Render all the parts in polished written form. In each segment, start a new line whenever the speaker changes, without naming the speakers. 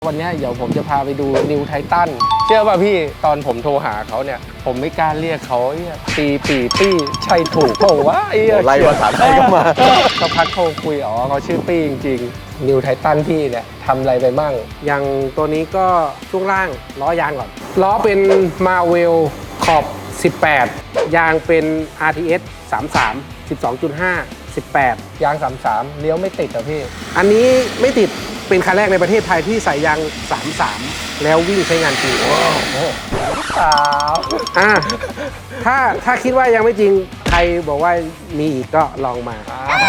วันนี้เดี๋ยวผมจะพาไปดูนิวไททันเชื่อป่ะพี่ตอนผมโทรหาเขาเนี่ยผมไม่กล้าเรียกเขาปี้ใช่ถูกเปล่าวะ
ไล่ภาษาไทยก็มา
ก็พักโทรคุยเขาชื่อปี้จริงๆนิวไททันพี่เนี่ยทำอะไรไปบ้างอย่างตัวนี้ก็ช่วงล่างล้อยางก่อนล้อเป็นมาเวลขอบ18ยางเป็น RTS 33 12.5 18ยาง33เลี้ยวไม่ติดเหรอพี่อันนี้ไม่ติดเป็นคันแรกในประเทศไทยที่ใส่ยาง33แล้ววิ่งใช้งานจริงสาวถ้าคิดว่ายังไม่จริงใครบอกว่ามีอีกก็ลองมา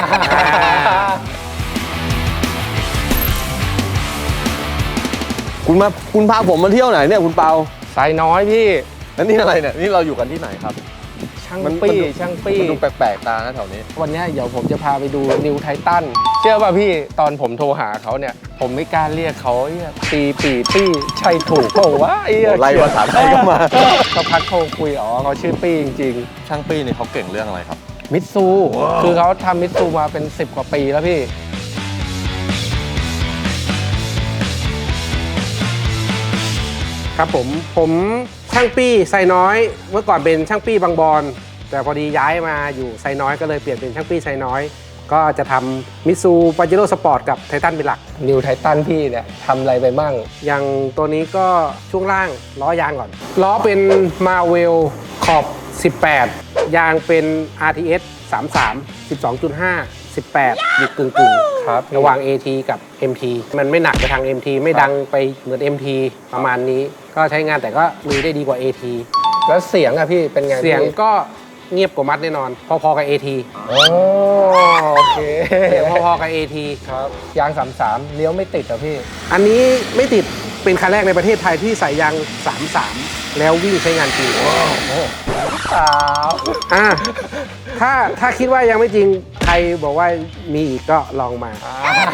คุณพาผมมาเที่ยวไหนเนี่ยคุณเปา
ไซน้อยพี่
แล้วนี่อะไรเนี่ยนี่เราอยู่กันที่ไหนครับ
ช่างปี้
มันดูแปลกๆตานะแถวนี้
วันนี้เดี๋ยวผมจะพาไปดูนิวไททันเชื่อป่ะพี่ตอนผมโทรหาเขาเนี่ยผมไม่กล้าเรียกเขาปี้ใช่ถูกเปล่าวะ
ไล่ภาษาไทยก็มา
ก็พักโทรคุยเขาชื่อปี้จริง
ๆช่างปี้นี่เขาเก่งเรื่องอะไรครับ
มิตซูคือเขาทำมิตซูมาเป็น10 กว่าปีแล้วพี่ครับผมช่างปี้ไซน้อยเมื่อก่อนเป็นช่างปี้บางบอนแต่พอดีย้ายมาอยู่ไซน้อยก็เลยเปลี่ยนเป็นช่างปี้ไซน้อยก็จะทำมิตซูปาเจโร่สปอร์ตกับไททันเป็นหลักนิวไททันพี่เนี่ยทำอะไรไปบ้างอย่างตัวนี้ก็ช่วงล่างล้อยางก่อนล้อเป็นมาเวลขอบ18ยางเป็น RTS 33 12.5 18อยู่กึ่งครับระหว่าง AT กับ MT มันไม่หนักไปทาง MT ไม่ดังไปเหมือน MT ประมาณนี้ก็ใช้งานแต่ก็ลุยได้ดีกว่า AT แล้วเสียงอะพี่เป็นไงเสียงก็เงียบกว่ามัดแน่นอนพอๆกับ AT โอเคเสียงพอๆกับ AT ครับยาง33เลี้ยวไม่ติดเหรอพี่อันนี้ไม่ติดเป็นคันแรกในประเทศไทยที่ใส่ยาง33แล้ววิ่งใช้งานจริงสาวถ้าคิดว่ายังไม่จริงใครบอกว่ามีอีกก็ลองมา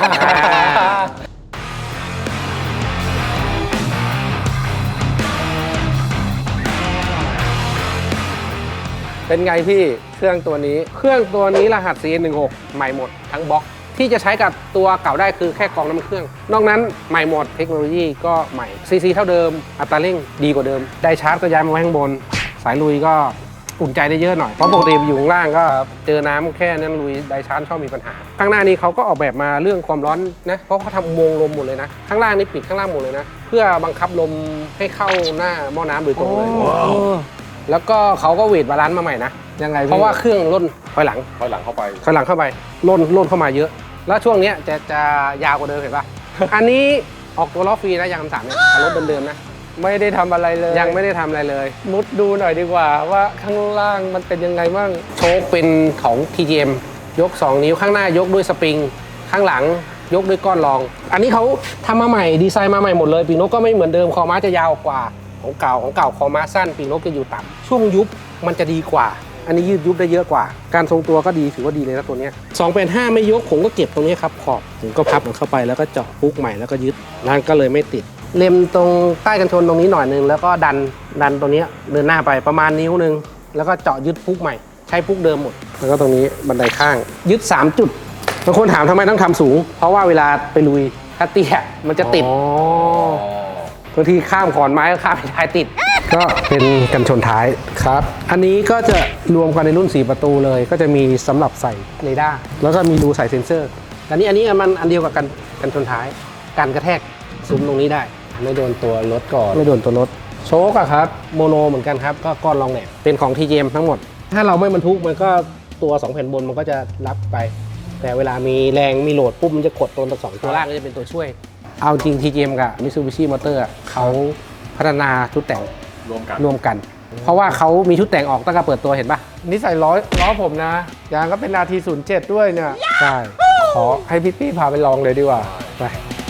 เป็นไงพี่เครื่องตัวนี้รหัส CN16 ใหม่หมดทั้งบล็อกที่จะใช้กับตัวเก่าได้คือแค่กรองน้ำเครื่องนอกนั้นใหม่หมดเทคโนโลยีก็ใหม่ซีเท่าเดิมอัตราเร่งดีกว่าเดิมได้ชาร์จก็ย้ายมาไว้ข้างบนสายลุยก็อุ่นใจได้เยอะหน่อยเพราะปกติอยู่ข้างล่างก็เจอน้ำแค่นั้นลุยไดชาร์จชอบมีปัญหาข้างหน้านี้เขาก็ออกแบบมาเรื่องความร้อนนะเพราะเขาทำอุโมงค์ลมหมดเลยนะข้างล่างนี่ปิดข้างล่างหมดเลยนะเพื่อบังคับลมให้เข้าหน้าหม้อน้ำโดยตรงเลยแล้วก็เขาก็เวทบาลานซ์มาใหม่นะยังไงเพราะว่าเครื่องล่นถอยหลังเข้าไปล่นเข้ามาเยอะแล้วช่วงนี้จะยาวกว่าเดิมเห็นป่ะ อันนี้ออกตัวล้อฟรีนะยาง3เนี่ยรถเดิมๆนะไม่ได้ทำอะไรเลยยังไม่ได้ทำอะไรเลยมุดดูหน่อยดีกว่าว่าข้างล่างมันเป็นยังไงบ้างโชคเป็นของ TGM ยก2นิ้วข้างหน้ายกด้วยสปริงข้างหลังยกด้วยก้อนรองอันนี้เขาทำมาใหม่ดีไซน์มาใหม่หมดเลยปีกนกก็ไม่เหมือนเดิมคอม้าจะยาวกว่าของเก่าคอม้าสั้นปีกนกจะอยู่ต่ำช่วงยุบมันจะดีกว่าอันนี้ยืดยุบได้เยอะกว่าการทรงตัวก็ดีถือว่าดีเลยนะตัวนี้2.5ไม่ยกผมก็เก็บตรงนี้ครับขอบผมก็พับมันเข้าไปแล้วก็เจาะพุกใหม่แล้วก็ยึดนั่นก็เลยไม่ติดเล็มตรงใต้กันชนตรงนี้หน่อยนึงแล้วก็ดันตรงนี้เดินหน้าไปประมาณนิ้วนึงแล้วก็เจาะยึดพุกใหม่ใช้พุกเดิมหมดแล้วก็ตรงนี้บันไดข้างยึด3จุดบางคนถามทำไมต้องทำสูงเพราะว่าเวลาไปลุยถ้าเตี้ยมันจะติดบางทีข้ามขอนไม้ก็ข้ามไม่ได้ติดก็เป็นกันชนท้ายครับอันนี้ก็จะรวมกันในรุ่น4ประตูเลยก็จะมีสำหรับใส่เรดาร์แล้วก็มีรูใส่เซ็นเซอร์อันนี้มันอันเดียวกับกันชนท้ายการกระแทกซุ้มตรงนี้ได้ไม่โดนตัวรถก่อนไม่โดนตัวรถโชคอะครับโมโนเหมือนกันครับก็ก้อนรองแหนบเป็นของ TGM ทั้งหมดถ้าเราไม่บรรทุกมันก็ตัว2แผ่นบนมันก็จะรับไปแต่เวลามีแรงมีโหลดปุ๊บมันจะกดตัว2ตัวล่างก็จะเป็นตัวช่วยเอาจริง TGM กับ Mitsubishi Motor เขาพัฒนาชุดแต่งรวมกันเพราะว่าเขามีชุดแต่งออกตั้งแต่เปิดตัวเห็นป่ะนี่ใส่ล้อผมนะยางก็เป็น RT07 ด้วยเนี่ยใช่ขอให้พี่ปี้พาไปลองเลยดีกว่าไป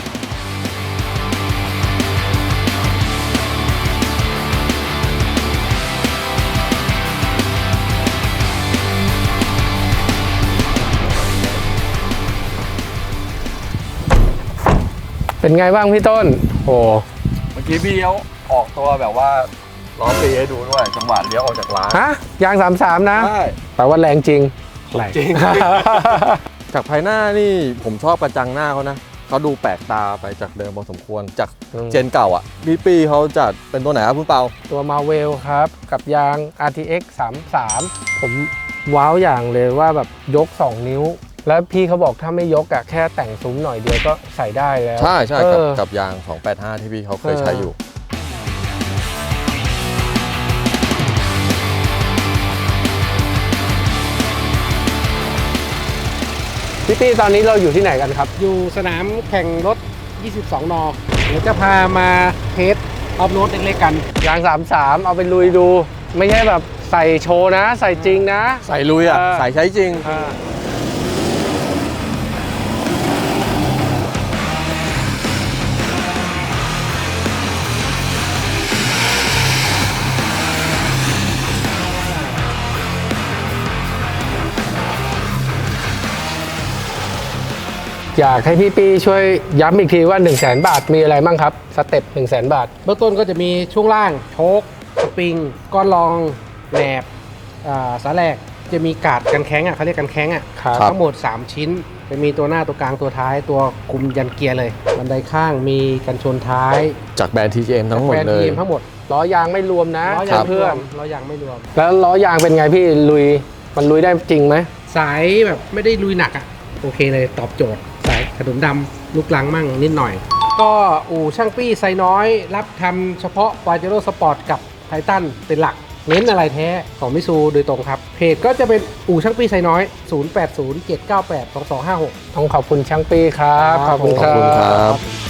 เป็นไงบ้างพี่ต้นโอ้
เมื่อกี้พี่เขาออกตัวแบบว่าล้อฟรีให้ดูด้วยจังหวะเลี้ยวออกจากร้าน
ยาง33นะใช่แต่ว่าแรงจริง
จริงจากภายหน้านี่ผมชอบกระจังหน้าเขานะเขาดูแปลกตาไปจากเดิมพอสมควรจาก
อืม
เจนเก่าอ่ะพี่ปีเขาจัดเป็นตัวไหนครับคุณเปา
ตัวมาเวลครับ กับยาง RTX 33 ผมว้าวอย่างเลยว่าแบบยก 2 นิ้ว แล้วพี่เขาบอกถ้าไม่ยกอะแค่แต่งซุ้มหน่อยเดียวก็ใส่ได้แล้ว
ใช่ใช่
เออ
กับยาง 285 ที่พี่เขาเคยใช้อยู่
พี่ตี้ตอนนี้เราอยู่ที่ไหนกันครับ อยู่สนามแข่งรถ 22 นเดี๋ยวจะพามาเทสออฟโรดเล็กๆกัน ยาง 33 เอาไปลุยดู ไม่ใช่แบบใส่โชว์นะ ใส่จริงนะ
ใส่ลุยอ่ะ ใส่ใช้จริง
อ่าอยากให้พี่ปี้ช่วยย้ำอีกทีว่า 100,000 บาทมีอะไรบ้างครับ สเต็ป 100,000 บาท เบื้องต้นก็จะมีช่วงล่างโชคสปริง ก้อนรองแหนบสาแหลกจะมีการ์ดกันแข้งเขาเรียกกันแข้ง
ครับ
ทั้งหมด 3 ชิ้น จะมีตัวหน้าตัวกลางตัวท้ายตัวคุมยันเกียร์เลย บันไดข้างมีกันชนท้าย
จากแบรนด์ TGM ทั้งหมด
แบรนด์
เลย
ทีมทั้งหมดล้อยางไม่รวมนะ
ล้อยาง
เพื่อน
ไม่รวม
ล้อยางไม่รวม แล้วล้อยางเป็นไงพี่มันลุยได้จริงไหมสายแบบไม่ได้ลุยหนักโอเคเลยตอบโจทย์สายขนมดำลูกลังมั่งนิดหน่อย ก็อู่ช่างปี้ไซน้อยรับทำเฉพาะ Pajero Sport กับไททันเป็นหลัก เน้นอะไรแท้ของมิซูโดยตรงครับ เพจก็จะเป็นอู่ช่างปี้ไซน้อย 0807982256 ต้องขอบคุณช่างปี้ครับ
ขอบคุณครับ